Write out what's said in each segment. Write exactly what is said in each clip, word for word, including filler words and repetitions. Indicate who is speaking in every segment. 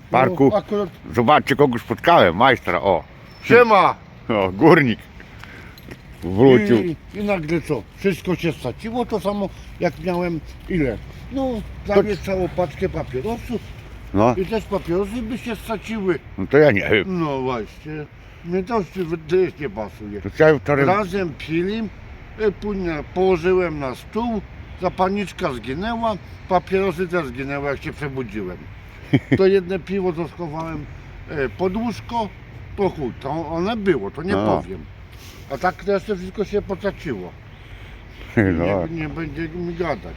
Speaker 1: parku.
Speaker 2: No, akurat...
Speaker 1: Zobaczcie, kogo spotkałem, majstra, o.
Speaker 2: Siema!
Speaker 1: O, górnik. Wrócił.
Speaker 2: I, I nagle co? Wszystko się straciło, to samo jak miałem ile? No, prawie całą paczkę papierosów
Speaker 1: No,
Speaker 2: i też papierosy by się straciły.
Speaker 1: no to ja nie wiem.
Speaker 2: No właśnie, mnie to też nie pasuje.
Speaker 1: To ja wczoraj...
Speaker 2: Razem pili, e, później położyłem na stół, zapalniczka zginęła, papierosy też zginęły jak się przebudziłem. To jedne piwo to schowałem e, pod łóżko, to chuj, to one było, to nie
Speaker 1: No.
Speaker 2: powiem. A tak to jeszcze wszystko się potraciło.
Speaker 1: No,
Speaker 2: Nie, nie będzie mi gadać.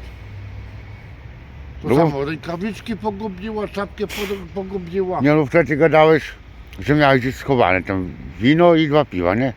Speaker 2: To
Speaker 1: No.
Speaker 2: samo rękawiczki pogubiła, czapkę po- pogubiła.
Speaker 1: nie no, wtedy gadałeś, że miałeś gdzieś schowane tam wino i dwa piwa, nie?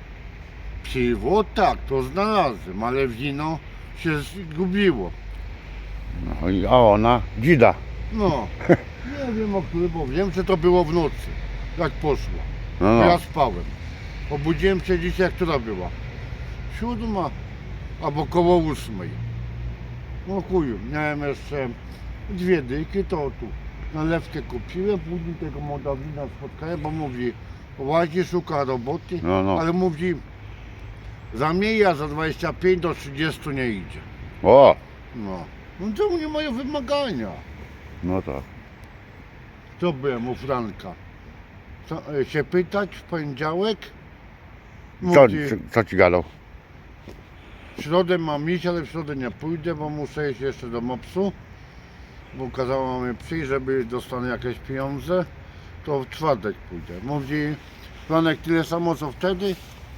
Speaker 2: Piwo tak, to znalazłem, ale wino się zgubiło.
Speaker 1: No i a ona, dzida.
Speaker 2: No, nie wiem o którym, bo wiem, że to było w nocy, jak poszło.
Speaker 1: No,
Speaker 2: To ja
Speaker 1: no.
Speaker 2: spałem. Obudziłem się dzisiaj, która była? Siódma, albo koło ósmej. No chuju, miałem jeszcze dwie dyki, to tu nalewkę kupiłem, później tego Mołdawina spotkałem, bo mówi, łazi, szuka roboty,
Speaker 1: No, no.
Speaker 2: ale mówi, za mnie a za dwadzieścia pięć do trzydziestu nie idzie.
Speaker 1: O,
Speaker 2: No, no to nie moje wymagania.
Speaker 1: no to.
Speaker 2: To byłem u Franka. Co, e, się pytać w poniedziałek?
Speaker 1: Co,
Speaker 2: Mówi,
Speaker 1: co, co ci gadał?
Speaker 2: w środę mam iść, ale w środę nie pójdę, bo muszę iść jeszcze do mopsu. Bo kazała mi przyjść, żeby dostanę jakieś pieniądze. To w czwartek pójdę. Mówi, Franek, tyle samo co wtedy.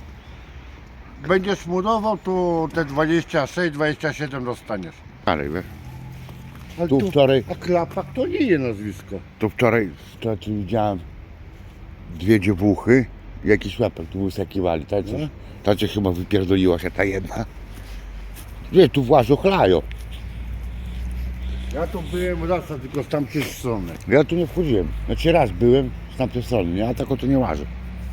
Speaker 2: Będziesz murował, to te dwadzieścia sześć dwadzieścia siedem dostaniesz.
Speaker 1: Ale wiesz,
Speaker 2: Ale
Speaker 1: tu wczoraj,
Speaker 2: A Klapak to nie je nazwisko.
Speaker 1: to wczoraj to, tu widziałem dwie dziewuchy i jakiś łapek tu wysakiwali. Ta,
Speaker 2: No.
Speaker 1: ta cię chyba wypierdoliła się ta jedna. Wie, tu włażą chlają.
Speaker 2: Ja to byłem raz, a tylko z tamtej strony.
Speaker 1: Ja tu nie wchodziłem. Znaczy raz byłem z tamtej strony, nie? A tak o to nie łażę.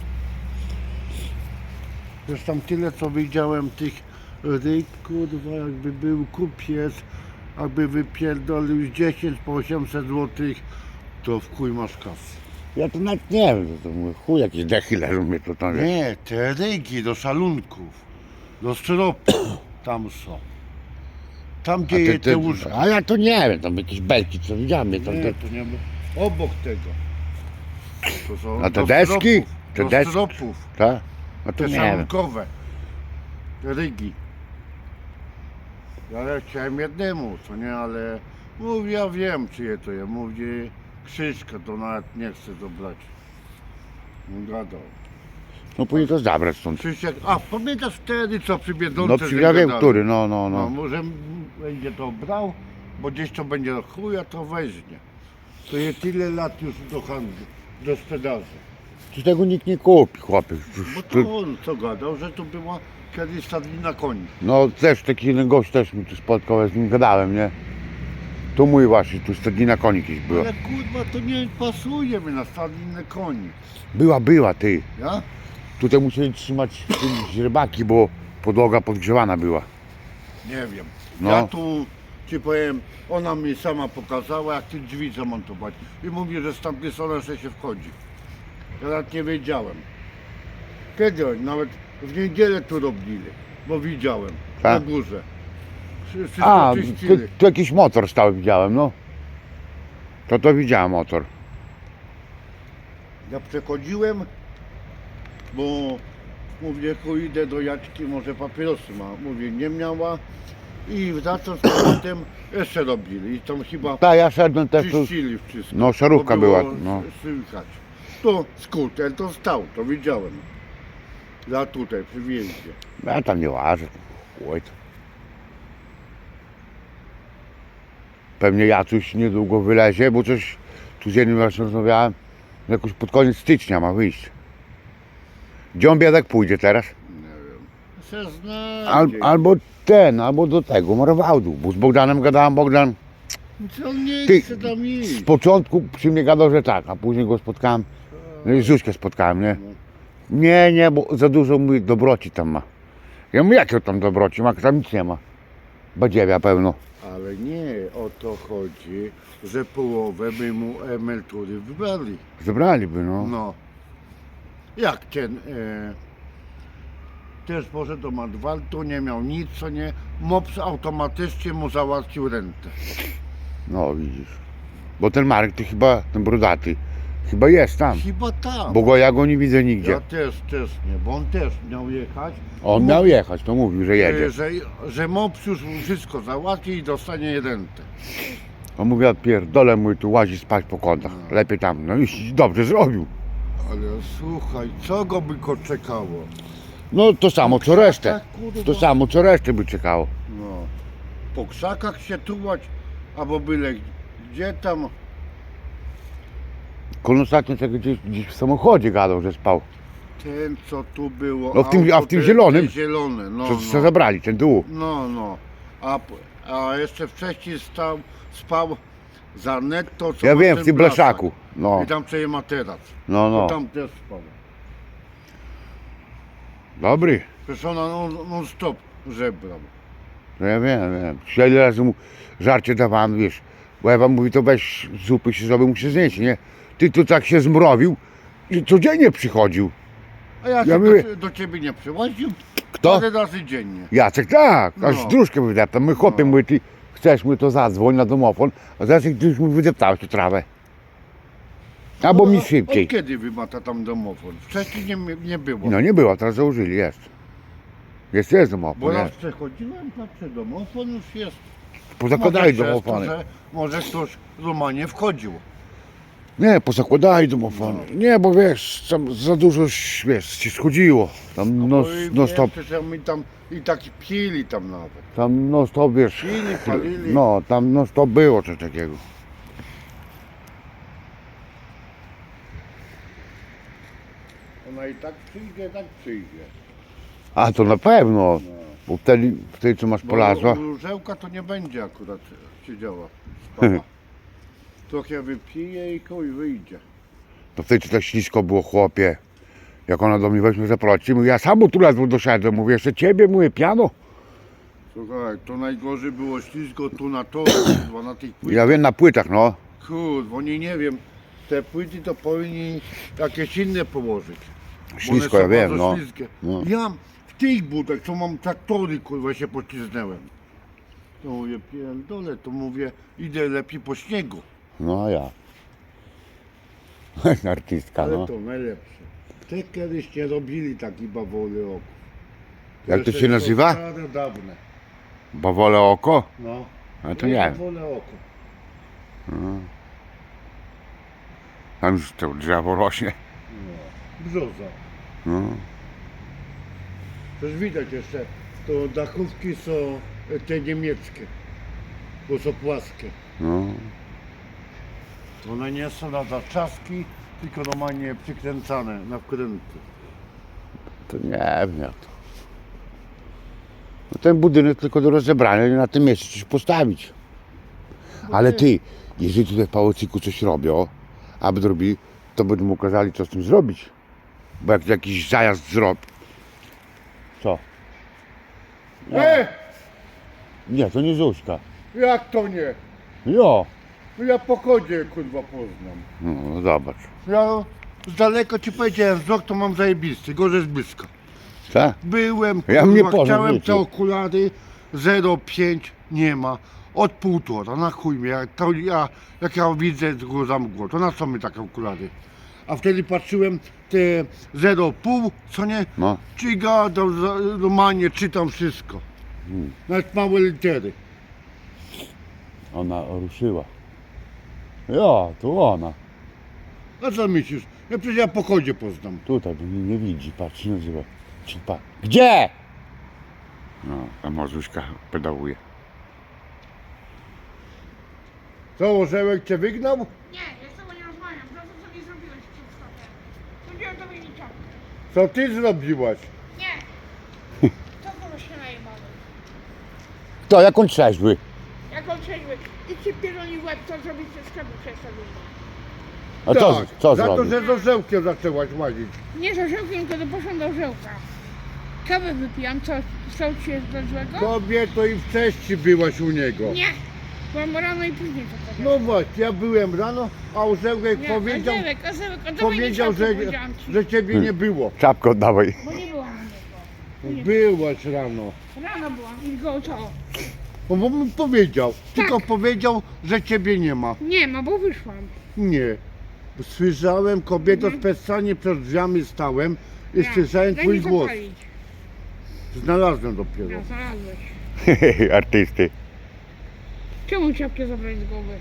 Speaker 2: Już tam tyle co widziałem tych ryb, kurwa, jakby był kupiec, jakby wypierdolił z dziesięć po osiemset złotych, to w chuj masz kasy.
Speaker 1: Ja to nawet nie wiem, to, to mówię, chuj, jakieś dechy leżą mnie to tam, wiesz.
Speaker 2: Nie, te rygi do szalunków, do styropu, tam są. Tam
Speaker 1: A,
Speaker 2: gdzie
Speaker 1: te,
Speaker 2: je te
Speaker 1: te,
Speaker 2: łóżka.
Speaker 1: a ja to nie wiem, tam jakieś belki, co widziałem, mnie tam,
Speaker 2: Nie,
Speaker 1: te,
Speaker 2: to nie było. Obok tego. To są
Speaker 1: A te
Speaker 2: do
Speaker 1: deski?
Speaker 2: styropów,
Speaker 1: Te
Speaker 2: do
Speaker 1: deski?
Speaker 2: styropów,
Speaker 1: tak? A to
Speaker 2: te
Speaker 1: nie wiem.
Speaker 2: szalunkowe, te rygi. Ja chciałem jednemu, co nie, ale mówi, ja wiem czyje to jest. Mówi Krzyśka, to nawet nie chce to brać. Nie gadał.
Speaker 1: No później to zabrać stąd.
Speaker 2: Krzysiek, a pamiętasz wtedy co przy Biedronce?
Speaker 1: No
Speaker 2: że
Speaker 1: przy, ja wiem,
Speaker 2: gadali?
Speaker 1: który, no, no,
Speaker 2: No,
Speaker 1: no.
Speaker 2: może będzie to brał, bo gdzieś to będzie chuja, to weźmie. To jest tyle lat już do handlu, do sprzedaży.
Speaker 1: Tu tego nikt nie kupi, chłopie.
Speaker 2: Bo
Speaker 1: Tu,
Speaker 2: to on co gadał, że to była kiedyś stadnina koni.
Speaker 1: no też taki jeden gość też mi tu spotkał, ja z nim gadałem, nie? Tu mój właśnie, tu stadnina koni jakieś była.
Speaker 2: Ale kurwa to nie pasuje mi na stadninę koni.
Speaker 1: Była, była, ty.
Speaker 2: Ja?
Speaker 1: Tutaj musieli trzymać źrebaki, bo podłoga podgrzewana była.
Speaker 2: Nie wiem.
Speaker 1: No.
Speaker 2: Ja tu ci powiem, ona mi sama pokazała jak te drzwi zamontować. I mówi, że z tamtej strony jeszcze się wchodzi. Ja nawet nie wiedziałem. Kiedy oni? Nawet w niedzielę tu robili, bo widziałem na
Speaker 1: Tak?
Speaker 2: górze. Wszy- Wszystko
Speaker 1: A, tu,
Speaker 2: czyścili.
Speaker 1: tu jakiś motor stały widziałem, no. To to widziałem motor.
Speaker 2: Ja przechodziłem, bo mówię, ku idę do Jaćki, może papierosy ma. Mówię, nie miała. I wracam z powrotem, jeszcze robili. I tam chyba
Speaker 1: Tak, ja szedłem też tu.
Speaker 2: czyścili wszystko.
Speaker 1: No, szarówka
Speaker 2: bo było
Speaker 1: była, no.
Speaker 2: Słychać. To skuter to stał, to widziałem. Ja tutaj przy wjeździe.
Speaker 1: Ja tam nie łażę. Chuj to. Pewnie Jacuś niedługo wylezie, bo coś tu z jednym właśnie rozmawiałem. Jakoś pod koniec stycznia ma wyjść. Gdzie on biedek pójdzie teraz?
Speaker 2: Nie wiem. Se znajdzie.
Speaker 1: Al, albo ten, albo do tego, Marwałdu. Bo z Bogdanem gadałem, Bogdan
Speaker 2: Co on nie
Speaker 1: Ty-
Speaker 2: chce tam
Speaker 1: z
Speaker 2: iść.
Speaker 1: początku przy mnie gadał, że tak, a później go spotkałem, no i Zuśkę spotkałem, nie? Nie, nie, bo za dużo mój dobroci tam ma. Ja mówię, jakie tam dobroci ma, tam nic nie ma. Badziewia pełno.
Speaker 2: A, Ale nie o to chodzi, że połowę by mu emerytury wybrali.
Speaker 1: Zebraliby, no.
Speaker 2: No. Jak ten e, też poszedł do Madwaltu, nie miał nic, co nie. Mops automatycznie mu załatwił rentę.
Speaker 1: No widzisz. Bo ten Marek to chyba, ten brudaty, chyba jest tam.
Speaker 2: Chyba tam.
Speaker 1: Bo go ja go nie widzę nigdzie.
Speaker 2: Ja też, też nie, bo on też miał jechać.
Speaker 1: On miał jechać, to mówił, że jedzie.
Speaker 2: E, Że, że Mops już mu wszystko załatwi i dostanie rentę.
Speaker 1: On mówi, ja pierdolę, mój tu łazi spać po kątach. Lepiej tam. No i dobrze zrobił.
Speaker 2: Ale słuchaj, co go by go czekało?
Speaker 1: No to samo co resztę.
Speaker 2: Tak, kurwa.
Speaker 1: To samo co resztę by czekało.
Speaker 2: No. Po krzakach się tułać, albo byle gdzie tam.
Speaker 1: Kon ostatnio tego gdzieś, gdzieś w samochodzie gadał, że spał.
Speaker 2: Ten co tu było.
Speaker 1: No w tym- a w
Speaker 2: auto
Speaker 1: tym
Speaker 2: te-
Speaker 1: zielonym?
Speaker 2: te Zielone, no.
Speaker 1: Co,
Speaker 2: no.
Speaker 1: co zabrali, ten dół.
Speaker 2: No, no. A, p- a jeszcze wcześniej stał, spał za netto, co
Speaker 1: Ja
Speaker 2: ma
Speaker 1: wiem,
Speaker 2: ten
Speaker 1: w tym
Speaker 2: blaszak.
Speaker 1: blaszaku. No,
Speaker 2: I tam co je materac.
Speaker 1: no,
Speaker 2: No.
Speaker 1: no.
Speaker 2: Tam też spał.
Speaker 1: Dobry.
Speaker 2: Przecież ona non, non stop żebrał.
Speaker 1: No ja wiem, wiem. Ja ile razy mu żarcie dawałem, wiesz. Bo Ewa mówi, to weź zupy się zrobił, mu się znieść, nie? Ty tu tak się zmrowił i codziennie przychodził.
Speaker 2: A ja,
Speaker 1: Ja
Speaker 2: się
Speaker 1: mówię-
Speaker 2: do, do ciebie nie przyłaził
Speaker 1: Kto?
Speaker 2: parę razy dziennie.
Speaker 1: Jacek, tak, aż
Speaker 2: No.
Speaker 1: dróżkę wydeptam. My chłopie,
Speaker 2: No.
Speaker 1: mówi, ty chcesz mi to zadzwoń na domofon, a zaraz jak ty już mi wydeptałeś tu trawę. Albo mi
Speaker 2: No,
Speaker 1: szybciej.
Speaker 2: Od kiedy wymata tam domofon? Wcześniej nie, nie było.
Speaker 1: No nie było, teraz założyli, jest. Jest, jest domofon,
Speaker 2: Bo raz
Speaker 1: jest.
Speaker 2: przechodziłem, patrzę, domofon już jest.
Speaker 1: Pozakładali
Speaker 2: Może przez to,
Speaker 1: domofony.
Speaker 2: że Może ktoś w Romanie wchodził.
Speaker 1: Nie, pozakładali domofony. Nie, bo wiesz, tam za dużo, wiesz, się schodziło. Tam no,
Speaker 2: Bo i
Speaker 1: no
Speaker 2: wiem,
Speaker 1: stop,
Speaker 2: że my tam i tak pili tam nawet.
Speaker 1: tam no stop, wiesz.
Speaker 2: Pili, palili.
Speaker 1: No, tam no stop było coś takiego.
Speaker 2: Ona i tak przyjdzie, tak przyjdzie.
Speaker 1: A to na pewno, bo wtedy, wtedy co masz
Speaker 2: Bo
Speaker 1: polazła.
Speaker 2: Różełka to nie będzie akurat siedziała, spała. Trochę wypije i koń wyjdzie.
Speaker 1: To wtedy tak ślisko było, chłopie. Jak ona do mnie weźmie zaprosi, mówię, ja sam tu ledwo doszedłem, mówię, jeszcze ciebie, mówię, piano.
Speaker 2: Słuchaj, to najgorzej było ślisko tu na torze, kurwa, na tych płytach.
Speaker 1: Ja wiem, na płytach, no.
Speaker 2: Kurwa, oni nie wiem, te płyty to powinni jakieś inne położyć. Bo one
Speaker 1: Ślisko,
Speaker 2: są
Speaker 1: ja wiem,
Speaker 2: bardzo
Speaker 1: no.
Speaker 2: śliskie.
Speaker 1: No.
Speaker 2: Ja w tych butach, co mam traktory, kurwa, się pocisnąłem. To mówię, pierdolę, to mówię, idę lepiej po śniegu.
Speaker 1: No ja. Artystka,
Speaker 2: Ale
Speaker 1: no.
Speaker 2: to najlepsze. Te kiedyś nie robili taki bawole oko.
Speaker 1: Jak to się nazywa?
Speaker 2: Stare, dawne.
Speaker 1: Bawole oko?
Speaker 2: No.
Speaker 1: A to nie wiem.
Speaker 2: Bawole oko.
Speaker 1: Tam już to drzewo rośnie.
Speaker 2: No. Brzoza.
Speaker 1: No.
Speaker 2: Też widać jeszcze, to dachówki są e, te niemieckie. Bo są płaskie.
Speaker 1: No.
Speaker 2: One nie są na zaczaski, tylko normalnie przykręcane na wkręty.
Speaker 1: To nie wiem jak to. No ten budynek tylko do rozebrania i na tym miejscu coś postawić. Ale ty, jeżeli tutaj w Pałacyku coś robią, aby robili, to będą mu kazali co z tym zrobić. Bo jak jakiś zajazd zrobi. Co?
Speaker 2: E!
Speaker 1: Nie, to nie Zuśka.
Speaker 2: Jak to nie?
Speaker 1: Jo.
Speaker 2: No ja po kodzie kurwa poznam.
Speaker 1: No, no zobacz.
Speaker 2: Ja z daleko ci powiedziałem, wzrok to mam zajebisty, gorzej z bliska.
Speaker 1: Tak?
Speaker 2: Byłem,
Speaker 1: Ja
Speaker 2: kurwa,
Speaker 1: mnie poznam,
Speaker 2: chciałem
Speaker 1: wiecie.
Speaker 2: te okulary, zero przecinek pięć nie ma. Od półtora, na chuj mnie, jak, to ja, jak ja widzę tylko za mgłą, to na co mi takie okulary? A wtedy patrzyłem te zero przecinek pięć, co nie?
Speaker 1: No.
Speaker 2: Czyga, do, normalnie czytam wszystko.
Speaker 1: Hmm.
Speaker 2: Nawet małe litery.
Speaker 1: Ona ruszyła. Jo, to ona.
Speaker 2: A co myślisz? Ja przecież ja po kodzie poznam.
Speaker 1: Tutaj, bo mnie nie widzi, patrz, się nazywa. Czy pa... Gdzie? No, a Mazuśka pedałuje.
Speaker 2: Co, orzełek cię wygnał?
Speaker 3: Nie, ja z tobą nie rozmawiam. To, co sobie zrobiłeś przed sklepem. Zrobiłem tobie niczego.
Speaker 2: Co ty zrobiłaś?
Speaker 3: Nie. Co to się najebały?
Speaker 1: Kto, jak on trzeźwy?
Speaker 3: Jak on trzeźwy i ci pierdoli w łeb, co zrobić ze sklepu przez to wyjdzie.
Speaker 1: A co, co
Speaker 2: Tak, za to,
Speaker 1: zrobił?
Speaker 2: że z orzełkiem zaczęłaś łazić.
Speaker 3: Nie z orzełkiem, tylko poszłam do orzełka. Kawę wypijam, co? Co ci jest dla złego?
Speaker 2: Kobieto i wcześniej byłaś u niego.
Speaker 3: Nie. Byłam rano i później to powiem.
Speaker 2: No właśnie, ja byłem rano, a Orzełek
Speaker 3: Nie,
Speaker 2: powiedział,
Speaker 3: Orzełek, Orzełek, oddawaj mi
Speaker 2: powiedział,
Speaker 3: czapkę,
Speaker 2: że,
Speaker 3: powiedziałam ci.
Speaker 2: że ciebie nie było.
Speaker 1: Czapkę oddawaj.
Speaker 3: Bo nie byłam u niego. Nie.
Speaker 2: Byłaś rano.
Speaker 3: Rano byłam i go co?
Speaker 2: Bo mu powiedział, tylko
Speaker 3: Tak.
Speaker 2: powiedział, że ciebie nie ma.
Speaker 3: Nie ma, bo wyszłam.
Speaker 2: Nie. Słyszałem, kobieto,
Speaker 3: Mhm.
Speaker 2: specjalnie przed drzwiami stałem i
Speaker 3: Ja.
Speaker 2: słyszałem
Speaker 3: Daj
Speaker 2: twój
Speaker 3: mi
Speaker 2: głos.
Speaker 3: zapalić.
Speaker 2: Znalazłem dopiero.
Speaker 3: Ja znalazłeś.
Speaker 1: Artysty.
Speaker 3: Czemu czapkę zabrać z głowy?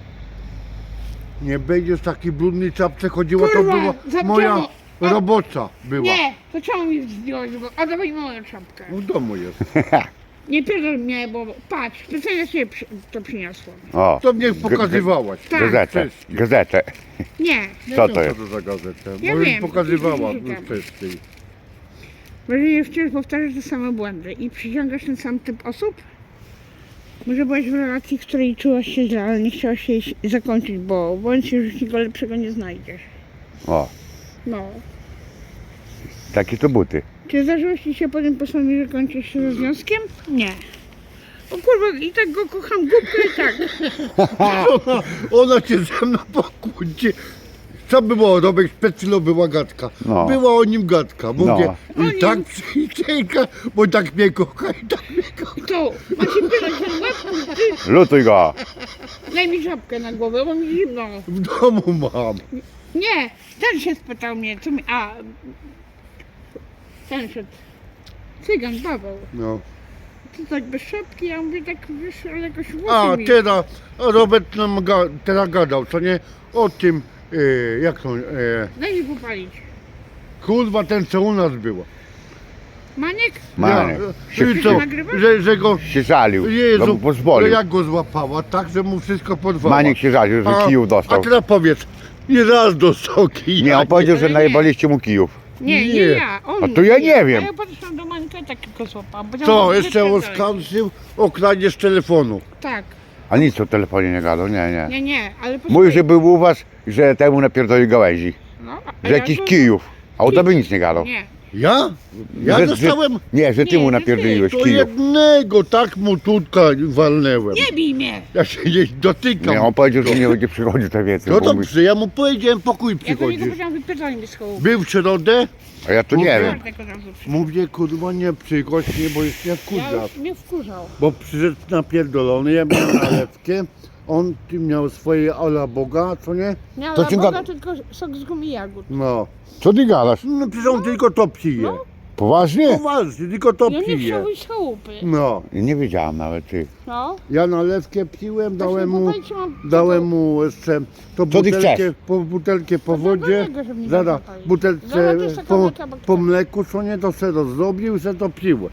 Speaker 2: Nie będziesz taki brudny czapce chodziła, to
Speaker 3: Kurwa,
Speaker 2: była
Speaker 3: za
Speaker 2: moja
Speaker 3: czemu? O.
Speaker 2: robocza była.
Speaker 3: Nie, to czemu mi zdjąłeś z głowy? Oddawaj moją czapkę.
Speaker 2: W domu jest.
Speaker 3: Nie pierdol mnie, bo patrz, specjalnie sobie przy, to przyniosłam.
Speaker 1: O,
Speaker 2: To mnie pokazywałaś.
Speaker 3: Tak.
Speaker 1: gazetę,
Speaker 2: Wszystkie.
Speaker 1: gazetę.
Speaker 3: Nie,
Speaker 2: Nie
Speaker 1: Co
Speaker 2: wiem,
Speaker 1: to jest?
Speaker 2: Co to za gazetę?
Speaker 3: Ja
Speaker 2: Bo już
Speaker 3: wiem,
Speaker 2: pokazywała
Speaker 3: to jest
Speaker 2: wcześniej.
Speaker 3: bo jeżeli wciąż powtarzasz te same błędy i przyciągasz ten sam typ osób, może byłaś w relacji, w której czułaś się źle, ale nie chciałaś jej zakończyć, bo bądź się już nikogo lepszego nie znajdziesz.
Speaker 1: O,
Speaker 3: No.
Speaker 1: takie to buty.
Speaker 3: Czy zdarzyło ci się potem postanowić, że kończysz się ze związkiem? Nie. O kurwa, i tak go kocham, głupkę i tak.
Speaker 2: Ona, ona cię ze mną pokłóci. Co było robić? Przed chwilą była gadka.
Speaker 1: No.
Speaker 2: Była o nim gadka. Mówię,
Speaker 3: No.
Speaker 2: i tak przyjdzieka, bo tak mnie kocha i tak mnie kocha.
Speaker 3: I to, macie pylać ten łeb, ty,
Speaker 1: Lutuj go.
Speaker 3: daj mi żabkę na głowę, bo mi zimno.
Speaker 2: W domu mam.
Speaker 3: Nie, ten się spytał mnie, co mi, a, ten szedł, cygan, Paweł.
Speaker 2: No.
Speaker 3: Ty tak bez szapki, ja mówię tak, wiesz, ale jakoś włosy
Speaker 2: A
Speaker 3: mi.
Speaker 2: teraz Robert nam ga, teraz gadał, co nie? O tym, e, jak to, e,
Speaker 3: Daj mi popalić.
Speaker 2: kurwa ten co u nas było.
Speaker 3: Maniek?
Speaker 1: Maniek.
Speaker 2: Ja,
Speaker 1: Się-
Speaker 2: i co,
Speaker 3: nagrywasz?
Speaker 2: że, że go,
Speaker 1: Się żalił. No,
Speaker 2: Jezu,
Speaker 1: bo
Speaker 2: że
Speaker 1: pozwolił.
Speaker 2: jak go złapała, tak, że mu wszystko podwała.
Speaker 1: Maniek się żalił, że
Speaker 2: A-
Speaker 1: kijów
Speaker 2: A
Speaker 1: dostał.
Speaker 2: teraz powiedz, nie raz dostał kija.
Speaker 1: Nie, on powiedział, że
Speaker 3: ale nie.
Speaker 1: najebaliście mu kijów.
Speaker 3: Nie, nie,
Speaker 2: Nie.
Speaker 3: ja, on.
Speaker 1: A to ja nie wiem.
Speaker 3: A ja patrzyłam do Mańka i tak tylko złapałam.
Speaker 2: Co,
Speaker 3: Powiedziałam,
Speaker 2: jeszcze
Speaker 3: że
Speaker 2: oskarżył o kradzież telefonu.
Speaker 3: Tak,
Speaker 1: A nic o telefonie nie gadał, nie, nie.
Speaker 3: nie, nie, ale
Speaker 1: Mówił, że był u was, że temu napierdolił gałęzi.
Speaker 3: No, a
Speaker 1: Że
Speaker 3: ja
Speaker 1: jakiś
Speaker 3: to-
Speaker 1: kijów. A o tobie nic nie gadał.
Speaker 3: Nie,
Speaker 2: Ja? Ja
Speaker 1: Że-
Speaker 2: dostałem
Speaker 1: Że, nie, że ty
Speaker 3: Nie,
Speaker 1: mu
Speaker 3: że ty.
Speaker 1: napierdoliłeś
Speaker 2: to
Speaker 1: kijów.
Speaker 2: jednego, tak mu tutka walnęłem.
Speaker 3: nie bij mnie.
Speaker 2: Ja się nie dotykam.
Speaker 1: Nie, on powiedział, że nie będzie przychodził tak więcej.
Speaker 2: No
Speaker 1: bo mówi-
Speaker 2: dobrze, ja mu powiedziałem, pokój
Speaker 3: Ja do niego
Speaker 2: przychodzisz.
Speaker 3: powiedziałam, wypierdolaj mi z kołów.
Speaker 2: Był w środę,
Speaker 1: A ja to nie
Speaker 2: Mówię.
Speaker 1: wiem.
Speaker 3: Czwartek od razu przyszedł.
Speaker 2: mówię, kurwa nie przychodź, nie, bo jest nie
Speaker 3: Ja
Speaker 2: wkurza.
Speaker 3: już mnie wkurzał.
Speaker 2: Bo przyszedł napierdolony, ja miałem nalewkę, on ty miał swoje ala Boga, co nie?
Speaker 3: Nie,
Speaker 1: To
Speaker 3: ale
Speaker 1: ci
Speaker 3: Boga
Speaker 1: gada-
Speaker 3: tylko sok z gumi jagód.
Speaker 2: No.
Speaker 1: Co ty gadasz?
Speaker 2: No przecież on tylko to pije.
Speaker 3: No.
Speaker 1: Poważnie?
Speaker 2: Poważnie, tylko to
Speaker 3: Ja nie
Speaker 2: pije.
Speaker 3: chciał iść z chałupy.
Speaker 2: No.
Speaker 1: Nie wiedziałam nawet, ty.
Speaker 3: No.
Speaker 2: Ja nalewkę piłem, dałem mu,
Speaker 3: Właśnie, bo mam-
Speaker 2: dałem mu jeszcze to
Speaker 1: Co ty
Speaker 2: butelkę,
Speaker 1: chcesz?
Speaker 2: po, butelkę po
Speaker 3: To dla
Speaker 2: wodzie,
Speaker 3: niego, żeby nie
Speaker 2: zaraz
Speaker 3: zapalić.
Speaker 2: butelce
Speaker 3: Zaraz jeszcze
Speaker 2: po,
Speaker 3: kawałka bakterii.
Speaker 2: po mleku, co nie, to se rozrobił i se to piłem.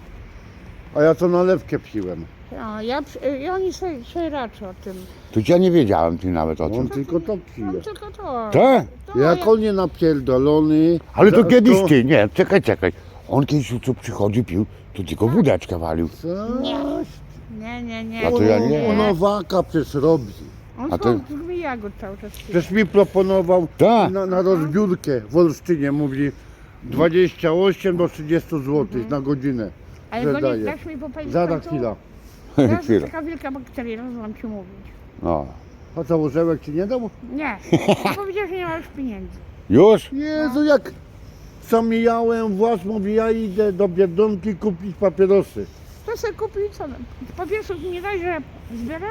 Speaker 2: A ja to nalewkę piłem.
Speaker 3: Ja, ja, przy- i oni sobie, sobie raczą o tym.
Speaker 1: To ja nie wiedziałem ty nawet o
Speaker 2: On
Speaker 1: tym.
Speaker 2: tylko to pije.
Speaker 3: Mam tylko to.
Speaker 1: Tak?
Speaker 3: To
Speaker 2: Jak
Speaker 3: ja-
Speaker 2: on nie napierdolony.
Speaker 1: Ale to
Speaker 2: za-
Speaker 1: kiedyś ty, nie, czekaj, czekaj. On kiedyś co przychodził, pił, to tylko wódeczkę walił.
Speaker 2: Co?
Speaker 3: Nie. Nie, nie, nie.
Speaker 1: A to ja nie.
Speaker 2: On owaka przecież robi.
Speaker 3: On
Speaker 1: A to-
Speaker 3: to... z gumi jagód cały czas pije.
Speaker 2: Przecież mi proponował
Speaker 1: Tak.
Speaker 2: na, na rozbiórkę w Olsztynie, mówi dwadzieścia osiem do trzydziestu złotych na godzinę.
Speaker 3: Ale
Speaker 2: że
Speaker 3: go nie
Speaker 2: daje.
Speaker 3: dasz mi popalić
Speaker 2: Zada
Speaker 3: w końcu?
Speaker 2: chwila.
Speaker 3: Teraz
Speaker 1: Chwila.
Speaker 3: jest taka wielka bakteria, rozumiem ci mówić.
Speaker 1: No.
Speaker 2: A co, orzełek ci nie dał?
Speaker 3: Nie, powiedział, że nie masz pieniędzy.
Speaker 1: Już?
Speaker 2: Jezu, jak sam mijałem włas, mówi, ja idę do Biedronki kupić papierosy.
Speaker 3: To sobie kupił co? Papierosów mi nie daj, że zbieram?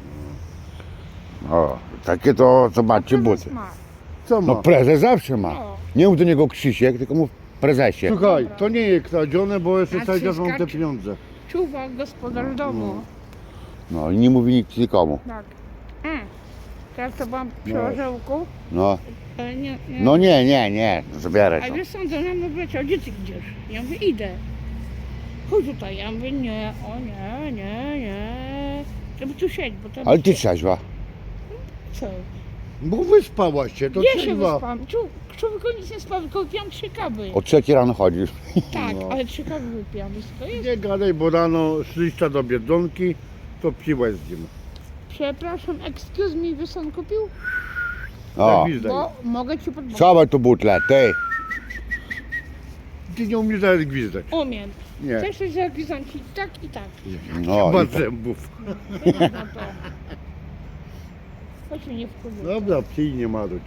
Speaker 1: O, takie to zobaczcie
Speaker 3: Prezes
Speaker 1: buty.
Speaker 3: ma.
Speaker 2: Co ma?
Speaker 1: No prezes zawsze ma.
Speaker 3: O.
Speaker 1: Nie mów do niego Krzysiek, tylko mów prezesie.
Speaker 2: Słuchaj, to nie jest kradzione, bo jeszcze
Speaker 3: A
Speaker 2: cały czas mam te
Speaker 3: cyskacz?
Speaker 2: pieniądze.
Speaker 3: Czuwa gospodarz domu.
Speaker 1: No i nie mówi nikt nikomu.
Speaker 3: Tak. E. Teraz to byłam przy
Speaker 2: No.
Speaker 3: orzełku.
Speaker 1: No.
Speaker 3: E, nie, nie.
Speaker 1: No nie, nie, nie, zabieraj
Speaker 3: A
Speaker 1: to.
Speaker 3: wiesz co, on do mnie wleciał, gdzie ty idziesz? Ja mówię, idę. Chodź tutaj. Ja mówię, nie, o nie, nie, nie. Żeby tu siedź, bo to...
Speaker 1: Ale ty trzeźwa.
Speaker 3: Co?
Speaker 2: Bo wyspałaś się, to
Speaker 3: Ja się
Speaker 2: trzeba.
Speaker 3: wyspałam. Czu- Człowieku nic nie spał, tylko wypiłam trzy kawy.
Speaker 1: O trzeciej rano chodzisz.
Speaker 3: Tak,
Speaker 2: No.
Speaker 3: ale trzy kawy wypiłam. Wiesz co to jest?
Speaker 2: Nie gadaj, bo rano szliście do Biedronki, to piłeś z nim.
Speaker 3: Przepraszam, excuse me, wiesz on kupił?
Speaker 1: O,
Speaker 2: Tak, widzę.
Speaker 3: Bo mogę ci podpowiedzieć.
Speaker 1: schowaj tu butlę, ty.
Speaker 2: ty nie umiesz nawet gwizdać.
Speaker 3: Umiem.
Speaker 2: Nie.
Speaker 3: Chcesz coś zapisać i tak i tak.
Speaker 1: No,
Speaker 2: Chyba
Speaker 1: i to,
Speaker 2: zębów.
Speaker 3: Wyjdź na to. Chodź mnie nie wkurzyć.
Speaker 2: Dobra, pij nie marudź.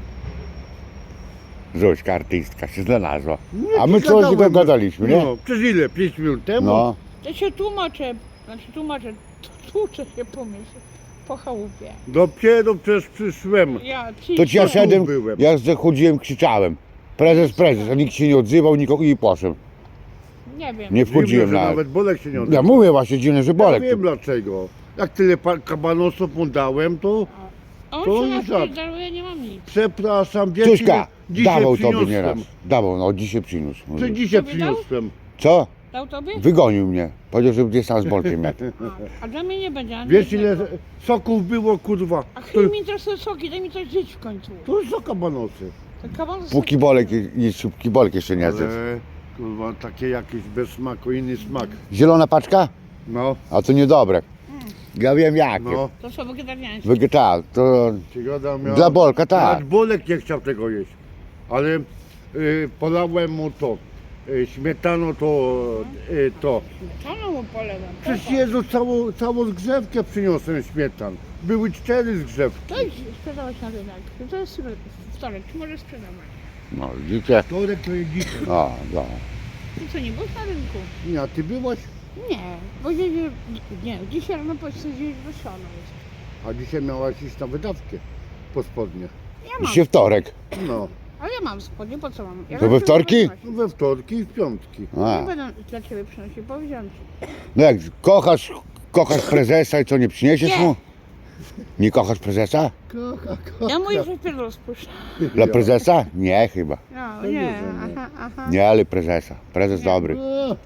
Speaker 1: Zośka artystka się znalazła.
Speaker 2: Nie,
Speaker 1: A my
Speaker 2: ty
Speaker 1: coś
Speaker 2: gadałem.
Speaker 1: dogadaliśmy, nie?
Speaker 2: No, przez ile? pięć minut temu?
Speaker 1: No.
Speaker 3: Ja się tłumaczę, znaczy tłumaczę, tłuczę się po mieście, po chałupie.
Speaker 2: Dopiero przecież przyszłem.
Speaker 3: Ja
Speaker 1: To ci ja
Speaker 2: Tu
Speaker 1: szedłem,
Speaker 2: byłem.
Speaker 1: jak zachodziłem, krzyczałem. Prezes, prezes, a nikt się nie odzywał, nikogo i poszedłem.
Speaker 3: Nie wiem.
Speaker 1: Nie wchodziłem
Speaker 2: Dziwne, że
Speaker 1: nawet.
Speaker 2: nawet Bolek się nie
Speaker 1: Ja
Speaker 2: odzywał.
Speaker 1: mówię właśnie dziwne, że
Speaker 2: Ja
Speaker 1: Bolek.
Speaker 2: wiem dlaczego. Jak tyle pa- kabanosów mu dałem, to
Speaker 3: On
Speaker 2: to
Speaker 3: się
Speaker 2: nie
Speaker 3: nas
Speaker 2: żart.
Speaker 3: daruje, nie mam nic.
Speaker 2: przepraszam, wiecie,
Speaker 1: Czuśka,
Speaker 2: ile dzisiaj
Speaker 1: dawał tobie
Speaker 2: przyniosłem.
Speaker 1: nieraz. Dawał, no dzisiaj przyniósł.
Speaker 2: Co dzisiaj
Speaker 3: Tobie dał?
Speaker 2: przyniosłem?
Speaker 1: Co?
Speaker 3: Dał tobie?
Speaker 1: Wygonił mnie. Powiedział, że gdzieś tam z Bolkiem miał.
Speaker 3: A, a dla mnie nie będzie. ani
Speaker 2: Wiesz ile
Speaker 3: jednego.
Speaker 2: soków było, kurwa?
Speaker 3: A
Speaker 2: To,
Speaker 3: chwilę mi interesuje soki, daj mi coś żyć w końcu.
Speaker 2: to są kabanosy.
Speaker 3: Ten kaban z
Speaker 1: Póki Bolek i szybki Bolek jeszcze nie zjadł.
Speaker 2: Ale, kurwa, takie jakieś bez smaku, inny smak.
Speaker 1: Zielona paczka?
Speaker 2: No,
Speaker 1: A to niedobre. Ja wiem jakie.
Speaker 2: no.
Speaker 3: To są wegetariańskie.
Speaker 1: Wegetal, to
Speaker 2: Przygoda miała...
Speaker 1: dla Bolka tak.
Speaker 2: Nawet Bolek nie chciał tego jeść. Ale y, polałem mu to. Y, śmietaną to, y, to.
Speaker 3: Śmietaną mu polewam.
Speaker 2: Przecież Jezu, całą, całą zgrzewkę przyniosłem śmietan. Były cztery zgrzewki.
Speaker 3: To idź sprzedawać na rynek. To jest wtorek, czy możesz sprzedawać?
Speaker 1: No widzicie?
Speaker 2: Wtorek to jest dzisiaj.
Speaker 1: O, no.
Speaker 3: Ty co, nie byłeś na rynku?
Speaker 2: Nie, a ty byłaś?
Speaker 3: Nie, bo nie, nie, nie dzisiaj rano powiedziałeś, że siano jest.
Speaker 2: A dzisiaj miałaś iść na wydawkę po spodnie.
Speaker 3: Ja mam,
Speaker 1: Dzisiaj wtorek.
Speaker 2: No,
Speaker 3: ale ja mam spodnie, po co mam? Ja
Speaker 1: To
Speaker 3: mam
Speaker 1: we wtorki?
Speaker 3: sobie
Speaker 2: we wtorki i w piątki.
Speaker 1: A.
Speaker 3: Nie będę dla ciebie przynosił, powiedziałem ci.
Speaker 1: No jak kochasz, kochasz prezesa i co, nie przyniesiesz
Speaker 3: Nie.
Speaker 1: mu? Nie kochasz prezesa?
Speaker 2: Kocha, kocha.
Speaker 3: Ja mówię, że pierdol spuszczę.
Speaker 1: Dla prezesa? Nie chyba.
Speaker 3: No,
Speaker 2: To
Speaker 3: nie,
Speaker 2: nie, że nie.
Speaker 3: aha, aha.
Speaker 1: Nie, ale prezesa. Prezes
Speaker 3: Nie.
Speaker 1: dobry.
Speaker 2: A,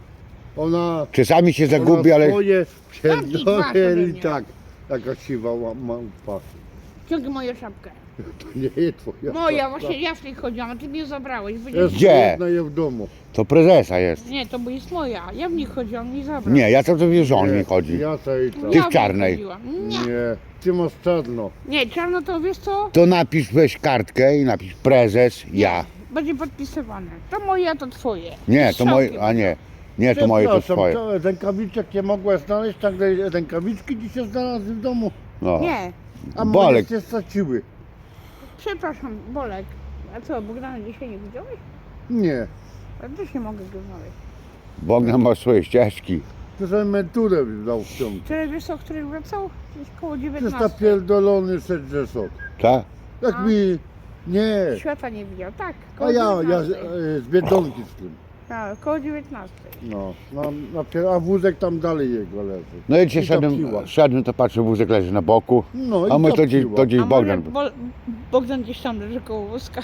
Speaker 2: Ona,
Speaker 1: Czasami się zagubi,
Speaker 2: ona
Speaker 1: ale
Speaker 2: swoje
Speaker 3: Zamknij twarz ode
Speaker 2: pierdolę
Speaker 3: mnie.
Speaker 2: i tak. Jaka siwa ła- małpa.
Speaker 3: Ciągnij moją szapkę.
Speaker 2: To nie jest twoja.
Speaker 3: Moja,
Speaker 2: szafka.
Speaker 3: właśnie ja w tej chodziłam, a ty mnie zabrałeś. Bo
Speaker 2: Jest
Speaker 1: Gdzie?
Speaker 2: jedna je w domu.
Speaker 1: to prezesa jest.
Speaker 3: Nie, to bo jest moja. Ja w nich chodziłam, mi zabrał.
Speaker 1: Nie, ja tam to wie, że on nie chodzi.
Speaker 2: Ja tej tam.
Speaker 1: Ty
Speaker 3: Ja
Speaker 1: w
Speaker 3: nich
Speaker 1: czarnej.
Speaker 3: chodziłam. Nie.
Speaker 2: Nie, ty masz czarno.
Speaker 3: Nie, czarno to wiesz co?
Speaker 1: To napisz, weź kartkę i napisz prezes, ja.
Speaker 3: Będzie podpisywane. To moje, a to twoje.
Speaker 1: Nie,
Speaker 3: Z
Speaker 1: to moje,
Speaker 3: strzałkiem.
Speaker 1: a nie. Nie, to moje, to
Speaker 2: Przepraszam,
Speaker 1: swoje.
Speaker 2: całe rękawiczek nie mogła znaleźć, tak rękawiczki dzisiaj znalazły w domu.
Speaker 1: No.
Speaker 3: Nie,
Speaker 2: A
Speaker 1: Bolek.
Speaker 2: moje się straciły.
Speaker 3: przepraszam, Bolek. A co, Bogdana dzisiaj nie widziałeś?
Speaker 2: Nie,
Speaker 3: Ja też nie mogę go znaleźć.
Speaker 1: Bogdan ma swoje ścieżki.
Speaker 2: to za emeryturę dał w ciągu.
Speaker 3: Wczoraj wiesz o której wracał? Gdzieś koło
Speaker 2: Przecież
Speaker 3: dziewiętnastej.
Speaker 2: napierdolony szedł że sok.
Speaker 1: Tak?
Speaker 2: Jak
Speaker 3: A?
Speaker 2: mi... Nie.
Speaker 3: Świata nie widział, tak.
Speaker 2: A
Speaker 3: Koło
Speaker 2: ja, ja
Speaker 3: dziewiętnastej.
Speaker 2: e, z Biedronki z tym.
Speaker 3: Tak, koło dziewiętnastej.
Speaker 2: No, na, na, a wózek tam dalej jego leży.
Speaker 1: No i dzisiaj
Speaker 2: I topiła.
Speaker 1: szedłem, szedłem, to patrzę, wózek leży na boku.
Speaker 2: No
Speaker 1: A
Speaker 2: i
Speaker 1: my to gdzieś,
Speaker 2: topiła.
Speaker 1: to gdzieś
Speaker 3: A
Speaker 1: Bogdan.
Speaker 3: może Bo, Bogdan gdzieś tam leży koło wózka.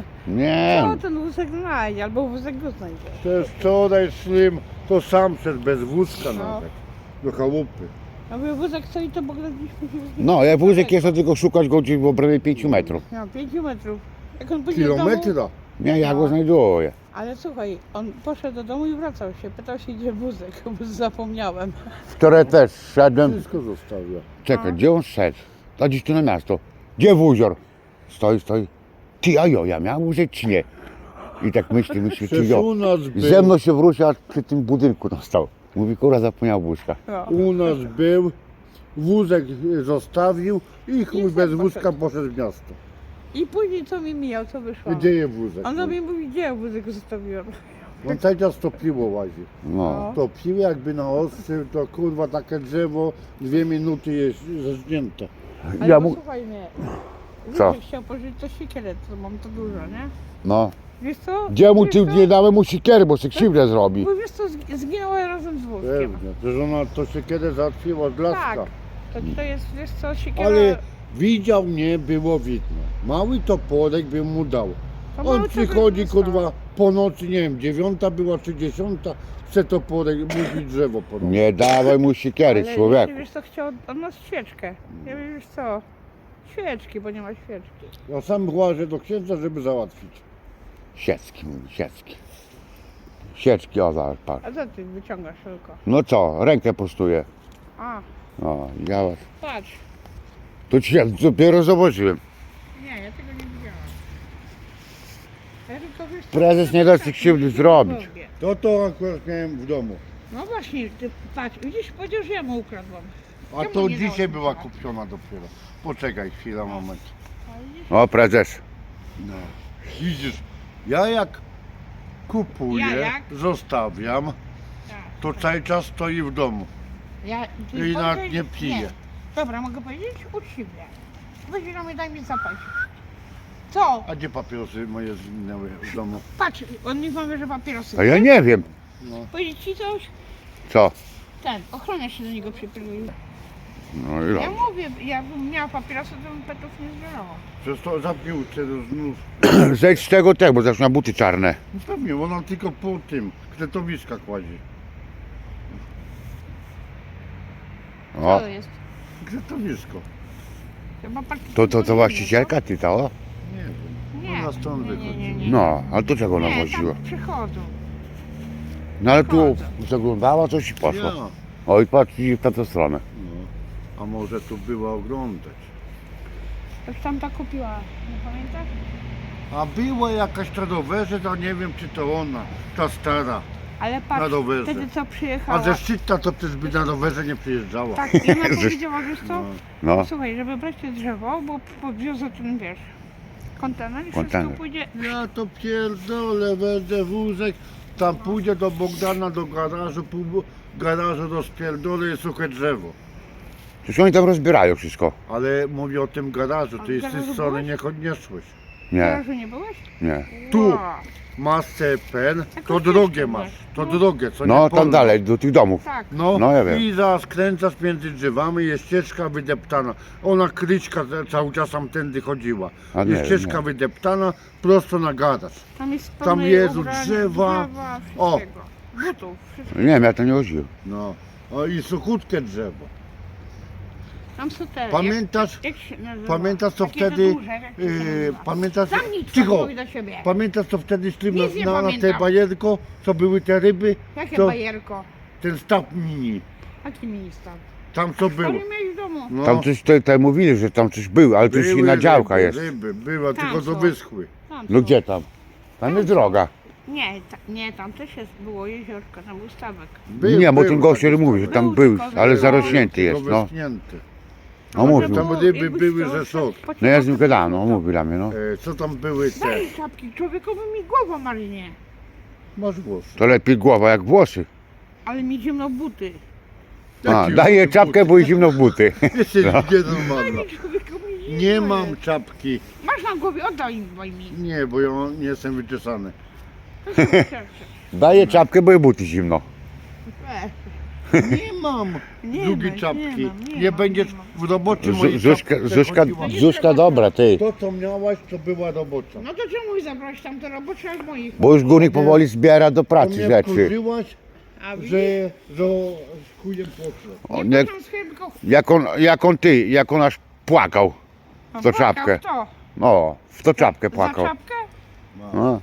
Speaker 1: Nie,
Speaker 3: Co ten wózek znajdzie, albo wózek go znajdzie.
Speaker 2: Też wczoraj szlim, to sam szedł bez wózka
Speaker 3: No.
Speaker 2: nawet. Do chałupy.
Speaker 3: A mówię, wózek stoi, to Bogdan gdzieś musi wrócić.
Speaker 1: no jak wózek jest, to tylko szukać go gdzieś w obrębie pięciu metrów.
Speaker 3: No, pięciu metrów. Jak on pójdzie do domu,
Speaker 2: Kilometra.
Speaker 1: Nie, ja
Speaker 3: No.
Speaker 1: go znajduję.
Speaker 3: ale słuchaj, on poszedł do domu i wracał się. Pytał się, gdzie wózek, bo zapomniałem.
Speaker 1: Wczoraj też szedłem,
Speaker 2: Wszystko zostawia.
Speaker 1: czekaj,
Speaker 3: A.
Speaker 1: gdzie on szedł? A gdzieś tu na miasto. Gdzie wózior? Stoi, stoi. Ty, a jo, ja miałem wózek czy nie? I tak myślę, myślę, czy
Speaker 2: Przecież
Speaker 1: jo.
Speaker 2: u nas był,
Speaker 1: Ze mną się wrócił, aż przy tym budynku tam stał. Mówi, kurwa, zapomniał wózka.
Speaker 3: No.
Speaker 2: u nas był, wózek zostawił i chuj
Speaker 3: I
Speaker 2: bez
Speaker 3: sam
Speaker 2: wózka
Speaker 3: poszedł.
Speaker 2: poszedł w miasto.
Speaker 3: I później co mi mijał, co wyszło?
Speaker 2: Gdzie jest wózek?
Speaker 3: On do mnie mówi, gdzie ja wózek zostawiłem.
Speaker 2: On cały czas topiło łazi.
Speaker 1: No.
Speaker 2: Topił jakby na ostrzył, to kurwa takie drzewo, dwie minuty jest zeżnięte.
Speaker 3: Ale
Speaker 1: Ja
Speaker 3: ja
Speaker 1: mu...
Speaker 3: posłuchaj mnie.
Speaker 1: Co?
Speaker 3: Wózek chciał pożyć to siekierę, to mam to dużo, nie?
Speaker 1: No.
Speaker 3: Wiesz co?
Speaker 1: Gdzie mu
Speaker 3: Wiesz
Speaker 1: ci
Speaker 3: co?
Speaker 1: nie dałem mu siekiery, bo się krzywdę zrobi.
Speaker 3: Bo wiesz co, zg- zginęła razem z wózkiem.
Speaker 2: Pewnie, że ona to się kiedy załatwiła z laska.
Speaker 3: Tak. To, to jest, wiesz co, siekiera...
Speaker 2: Ale widział mnie, było widno. Mały toporek bym mu dał.
Speaker 3: to
Speaker 2: On
Speaker 3: mały to
Speaker 2: przychodzi,
Speaker 3: by został.
Speaker 2: kurwa, po nocy, nie wiem, dziewiąta była czy dziesiąta, chce toporek, musi drzewo po nocy.
Speaker 1: Nie dawaj mu siekiery,
Speaker 3: Ale
Speaker 1: człowieku.
Speaker 3: Wiesz co, chciał od nas świeczkę. Ja wiem, wiesz co, świeczki, bo nie ma świeczki.
Speaker 2: Ja sam łażę do księdza, żeby załatwić.
Speaker 1: Siecki, mówi, siecki. Sieczki, o zaraz, patrz.
Speaker 3: A co ty wyciągasz tylko?
Speaker 1: No co, rękę postuję.
Speaker 3: A,
Speaker 1: No, ja was.
Speaker 3: patrz.
Speaker 1: To ci ja dopiero zobaczyłem.
Speaker 3: Nie, ja tego nie widziałam. Ja tylko wiesz, co-
Speaker 1: Prezes nie da ci krzywdy zrobić.
Speaker 2: To to akurat miałem w domu.
Speaker 3: No właśnie, ty patrz, widzisz, powiedział, że ja mu ukradłam.
Speaker 2: A
Speaker 3: Czemu
Speaker 2: to
Speaker 3: nie
Speaker 2: dzisiaj
Speaker 3: dałeś
Speaker 2: była
Speaker 3: mi
Speaker 2: kupiona dopiero. Poczekaj chwilę, moment.
Speaker 3: A widzisz?
Speaker 1: O, prezes.
Speaker 2: No. Widzisz, ja jak kupuję,
Speaker 3: Ja jak?
Speaker 2: zostawiam,
Speaker 3: Tak.
Speaker 2: to cały czas stoi w domu.
Speaker 3: Ja, ty
Speaker 2: I nawet
Speaker 3: powiedziałeś-
Speaker 2: nie pije.
Speaker 3: Dobra, mogę powiedzieć? Uczciwie. Weź do mnie, daj mi zapać. Co?
Speaker 2: A gdzie papierosy moje zginęły w domu?
Speaker 3: Patrz, on mi powie, że papierosy.
Speaker 1: A ja nie wiem.
Speaker 2: No.
Speaker 3: Powiedzieć ci coś?
Speaker 1: Co?
Speaker 3: Ten, ochrona się do niego przypilnuje.
Speaker 1: No i
Speaker 3: Ja
Speaker 1: dobrze.
Speaker 3: mówię, jakbym miała papierosy, to bym petów nie zbierała.
Speaker 2: Przez to zamknij uczę do znów.
Speaker 1: Zejdź z tego tego, bo zaczyna buty czarne.
Speaker 2: No pewnie, ona tylko po tym kretowiska kładzie.
Speaker 3: Co
Speaker 1: O,
Speaker 3: to jest?
Speaker 2: Kretowisko.
Speaker 3: Chyba pan-
Speaker 1: to, to, to właścicielka ty to? O?
Speaker 2: Nie wiem.
Speaker 3: Nie,
Speaker 2: Ona stąd
Speaker 3: nie, nie,
Speaker 2: wychodzi.
Speaker 3: nie, nie.
Speaker 1: No, ale to czego ona
Speaker 3: Nie,
Speaker 1: woziła?
Speaker 3: tam przychodzą.
Speaker 1: No ale tu zaglądała coś i
Speaker 2: Ja.
Speaker 1: poszło. Oj, patrz, idzie w tamtą stronę.
Speaker 2: No. A może tu była oglądać.
Speaker 3: Coś tam ta kupiła, nie pamiętasz?
Speaker 2: A była jakaś na rowerze, to nie wiem czy to ona, ta stara.
Speaker 3: Ale patrz,
Speaker 2: Na rowerze.
Speaker 3: wtedy co przyjechała.
Speaker 2: A ze Szczytna to przecież by na rowerze nie przyjeżdżała.
Speaker 3: Tak, i ona powiedziała, wiesz co?
Speaker 2: No.
Speaker 1: No,
Speaker 3: Słuchaj, żeby brać te drzewo, bo podwiozę ten, wiesz, kontener i
Speaker 1: Kontener.
Speaker 3: wszystko pójdzie.
Speaker 2: Ja to pierdolę, będę wózek, tam pójdę do Bogdana, do garażu, pół garażu rozpierdolę i suche drzewo.
Speaker 1: przecież oni tam rozbierają wszystko.
Speaker 2: Ale mówię o tym garażu,
Speaker 3: A
Speaker 2: ty
Speaker 3: w
Speaker 2: z tej
Speaker 3: garażu
Speaker 2: strony
Speaker 3: byłeś?
Speaker 2: nie odniosłeś.
Speaker 3: W
Speaker 1: Nie,
Speaker 3: garażu nie byłeś?
Speaker 1: nie.
Speaker 2: Tu.
Speaker 3: Wow.
Speaker 2: Masz pen,
Speaker 3: Jakoś
Speaker 2: to
Speaker 3: jeszcze
Speaker 2: drogę
Speaker 3: masz.
Speaker 2: masz, to
Speaker 3: No.
Speaker 2: drogę, co
Speaker 1: No
Speaker 2: nie
Speaker 1: tam
Speaker 2: polną.
Speaker 1: dalej, do tych domów.
Speaker 3: Tak.
Speaker 2: No,
Speaker 1: No, ja wiem.
Speaker 2: i zaraz kręcasz między drzewami, jest ścieżka wydeptana. Ona kryćka cały czas tam tędy chodziła.
Speaker 1: A nie,
Speaker 2: Jest ścieżka
Speaker 1: nie.
Speaker 2: wydeptana, prosto na garaż.
Speaker 3: Tam jest
Speaker 2: Tam
Speaker 3: pełno
Speaker 2: Jezu,
Speaker 3: ubrań,
Speaker 2: drzewa.
Speaker 3: drzewa
Speaker 2: O.
Speaker 3: wszystkiego. Butów, wszystkiego.
Speaker 1: Nie wiem, ja to nie chodziłem.
Speaker 2: No, o, i suchutkie drzewo.
Speaker 3: Tam są te.
Speaker 2: Pamiętasz,
Speaker 3: Jak, jak się nazywa?
Speaker 2: pamiętasz co
Speaker 3: Takie te
Speaker 2: wtedy,
Speaker 3: duże, jak to się
Speaker 2: yy,
Speaker 3: nazywa?
Speaker 2: pamiętasz,
Speaker 3: Zamknij
Speaker 2: cicho,
Speaker 3: twój do siebie.
Speaker 2: pamiętasz co wtedy szli
Speaker 3: Nic nie
Speaker 2: na, na, na te
Speaker 3: pamiętam.
Speaker 2: bajerko, co były te ryby,
Speaker 3: Jakie
Speaker 2: to
Speaker 3: bajerko?
Speaker 2: ten staw mini,
Speaker 3: Jaki minister?
Speaker 2: tam co
Speaker 3: To
Speaker 2: było.
Speaker 3: nie miałeś w domu.
Speaker 2: No,
Speaker 1: Tam coś tutaj tutaj mówili, że tam coś było, ale coś
Speaker 2: były
Speaker 1: inna działka
Speaker 2: ryby,
Speaker 1: jest.
Speaker 2: Ryby, była,
Speaker 3: Tam
Speaker 2: tylko to
Speaker 3: są.
Speaker 2: wyschły.
Speaker 3: Tam
Speaker 1: No
Speaker 3: są.
Speaker 1: gdzie tam? Tam jest droga.
Speaker 3: Nie, ta, nie, tam też jest, było jeziorko, tam był stawek.
Speaker 2: Był,
Speaker 1: Nie, bo
Speaker 2: był
Speaker 1: ten gościu
Speaker 2: taki
Speaker 1: mówi, że
Speaker 2: staw.
Speaker 1: tam
Speaker 3: Był
Speaker 1: był,
Speaker 3: tylko
Speaker 1: ale
Speaker 3: był,
Speaker 1: zarośnięty
Speaker 2: tylko
Speaker 1: jest, no.
Speaker 2: wyschnięty.
Speaker 1: No
Speaker 3: Może
Speaker 1: mówił.
Speaker 2: Tam
Speaker 3: było-
Speaker 2: ryby
Speaker 3: jakbyś
Speaker 2: były,
Speaker 3: chciał
Speaker 2: że są.
Speaker 3: po
Speaker 1: No ja z nim
Speaker 3: ciemku,
Speaker 1: gadałem, no
Speaker 3: to-
Speaker 1: mówi dla mnie, no.
Speaker 2: E, co tam były te?
Speaker 3: Daj czapki, człowiekowi mi głowa marinie.
Speaker 2: Masz głos.
Speaker 1: To lepiej głowa jak włosy.
Speaker 3: Ale mi zimno buty.
Speaker 1: A, daję czapkę, bo i zimno w buty.
Speaker 2: Jesteś
Speaker 1: No.
Speaker 2: nienormalna.
Speaker 3: Człowiekowi mi zimno
Speaker 2: Nie mam
Speaker 3: jest.
Speaker 2: czapki.
Speaker 3: Masz na głowie, oddaj mi, daj mi.
Speaker 2: Nie, bo ja nie jestem wyczesany.
Speaker 3: To się wystarczy.
Speaker 1: Daję czapkę, bo i buty zimno.
Speaker 3: Weź.
Speaker 2: Nie mam
Speaker 3: Nie
Speaker 2: drugiej
Speaker 3: ma,
Speaker 2: czapki.
Speaker 3: nie mam, nie
Speaker 2: Nie
Speaker 3: mam,
Speaker 2: będziesz
Speaker 3: nie mam.
Speaker 2: w robocie
Speaker 1: Zu-
Speaker 2: mojej
Speaker 1: Zuśka,
Speaker 2: czapce
Speaker 1: Zuśka,
Speaker 2: chodziła.
Speaker 1: Zuśka dobra, ty.
Speaker 2: To co miałaś, to była robocza.
Speaker 3: No to czemu mi zabrałeś tam do roboczy, aż moich?
Speaker 1: Bo już górnik powoli zbiera do
Speaker 2: To
Speaker 1: pracy
Speaker 2: mnie
Speaker 1: rzeczy.
Speaker 2: wkurzyłaś,
Speaker 3: A widzisz?
Speaker 2: że, że z chujem poszło.
Speaker 1: O,
Speaker 3: Nie,
Speaker 1: nie,
Speaker 3: poszłam z chybką.
Speaker 1: jak, on, jak on ty, jak on aż płakał.
Speaker 3: No,
Speaker 1: to
Speaker 3: płakał,
Speaker 1: czapkę.
Speaker 3: Kto?
Speaker 1: No, w to czapkę
Speaker 3: Za
Speaker 1: płakał.
Speaker 3: czapkę?
Speaker 1: No.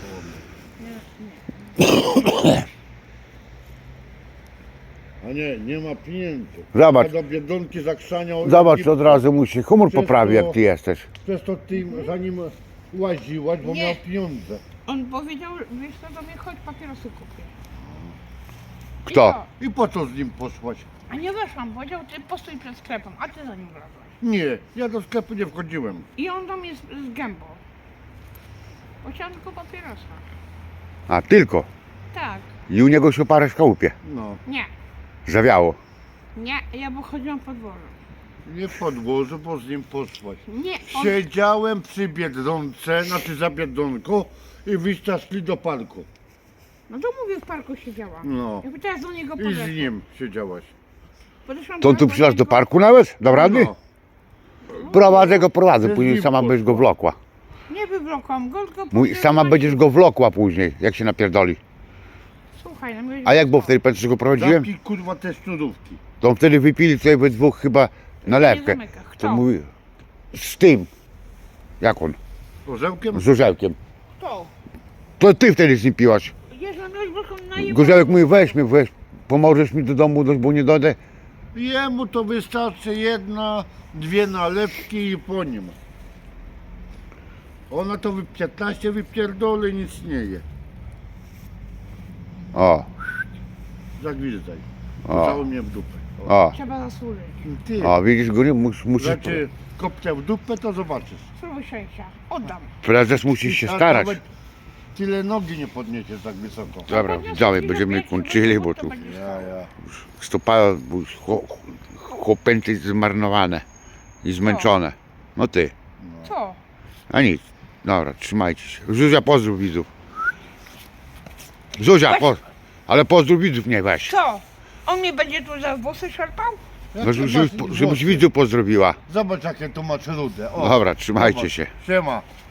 Speaker 2: A nie, nie ma pieniędzy.
Speaker 1: Zobacz,
Speaker 2: A do Biedronki zakrzaniał.
Speaker 1: zobacz,
Speaker 2: i
Speaker 1: od razu mu się humor
Speaker 2: Przez
Speaker 1: poprawi,
Speaker 2: to-
Speaker 1: jak ty jesteś.
Speaker 2: Przez to ty za nim łaziłaś, bo
Speaker 3: Nie.
Speaker 2: miał pieniądze.
Speaker 3: On powiedział, wiesz co, do mnie chodź, papierosy kupię. I
Speaker 1: Kto?
Speaker 3: co?
Speaker 2: I po co z nim poszłaś?
Speaker 3: A nie weszłam, powiedział, ty postój przed sklepem, a ty za nim wlazłeś.
Speaker 2: Nie, ja do sklepu nie wchodziłem.
Speaker 3: I on do mnie z, z gębą. Bo chciałam tylko papierosa.
Speaker 1: A, tylko.
Speaker 3: Tak,
Speaker 1: I u niego się parę szkałupie.
Speaker 2: No,
Speaker 3: nie,
Speaker 1: Zawiało.
Speaker 3: nie, ja bo chodziłam po dworze.
Speaker 2: nie w podwórzu, bo z nim poszłaś.
Speaker 3: Nie, on,
Speaker 2: Siedziałem przy Biedronce, znaczy za Biedronką i wyście szli do parku.
Speaker 3: no to mówię, w parku siedziałam.
Speaker 2: No.
Speaker 3: Ja teraz do niego
Speaker 2: I
Speaker 3: podeszłam.
Speaker 2: z nim siedziałaś.
Speaker 3: Podeszłam
Speaker 1: To on tu przyszedł do parku nawet? Do rady?
Speaker 2: No.
Speaker 1: Prowadzę go, prowadzę,
Speaker 2: Ze
Speaker 1: później
Speaker 2: nim
Speaker 1: sama będziesz go
Speaker 2: poszła.
Speaker 1: wlokła.
Speaker 3: Nie wywlokłam go, tylko
Speaker 1: Mój,
Speaker 3: powiedziałem,
Speaker 1: sama
Speaker 3: że-
Speaker 1: będziesz go wlokła później, jak się napierdoli.
Speaker 3: Słuchaj, no mówię,
Speaker 1: A jak było
Speaker 3: co?
Speaker 1: wtedy, pamiętasz, że go prowadziłem?
Speaker 2: Zamknij kurwa te sznurówki.
Speaker 1: To on wtedy wypili sobie we dwóch chyba nalewkę.
Speaker 3: Nie zamyka. Kto?
Speaker 1: To mówi, z tym. Jak on?
Speaker 2: Orzełkiem?
Speaker 1: Z orzełkiem.
Speaker 3: Kto?
Speaker 1: To ty wtedy z nim piłaś.
Speaker 3: Jezu, no już byłam najebana.
Speaker 1: Gorzełek mówi, weź mnie, weź, pomożesz mi do domu, dojść, bo nie dojdę.
Speaker 2: Jemu to wystarczy jedna, dwie nalewki i po nim. Ona to wy piętnaście wypierdoli, nic nie je.
Speaker 1: O,
Speaker 2: Zagwizdaj.
Speaker 1: O.
Speaker 2: Cały mnie w dupę.
Speaker 1: o,
Speaker 3: Trzeba zasłużyć.
Speaker 2: Ty,
Speaker 1: o, widzisz, góry, mus, musisz,
Speaker 2: znaczy kopcia w dupę, to zobaczysz.
Speaker 3: Spróbuj sześcia. Oddam.
Speaker 1: prezes musi się
Speaker 2: A
Speaker 1: starać.
Speaker 2: nawet Tyle nogi nie podniesiesz tak wysoko.
Speaker 1: Dobra, widzowie, będziemy kończyli, bo tu
Speaker 2: Ja, ja.
Speaker 1: stopa chłopęty zmarnowane i zmęczone. No ty,
Speaker 3: Co?
Speaker 1: a nic. Dobra, trzymajcie się. Zuzia, pozdrów widzów. Zuzia, po, ale pozdrów widzów nie weź.
Speaker 3: Co? On mnie będzie tu za włosy szarpał?
Speaker 1: No, żeby, żebyś widzów pozdrowiła.
Speaker 2: Zobacz jakie tu masz rude. O,
Speaker 1: Dobra, trzymajcie
Speaker 2: zobacz.
Speaker 1: się.
Speaker 2: Siema.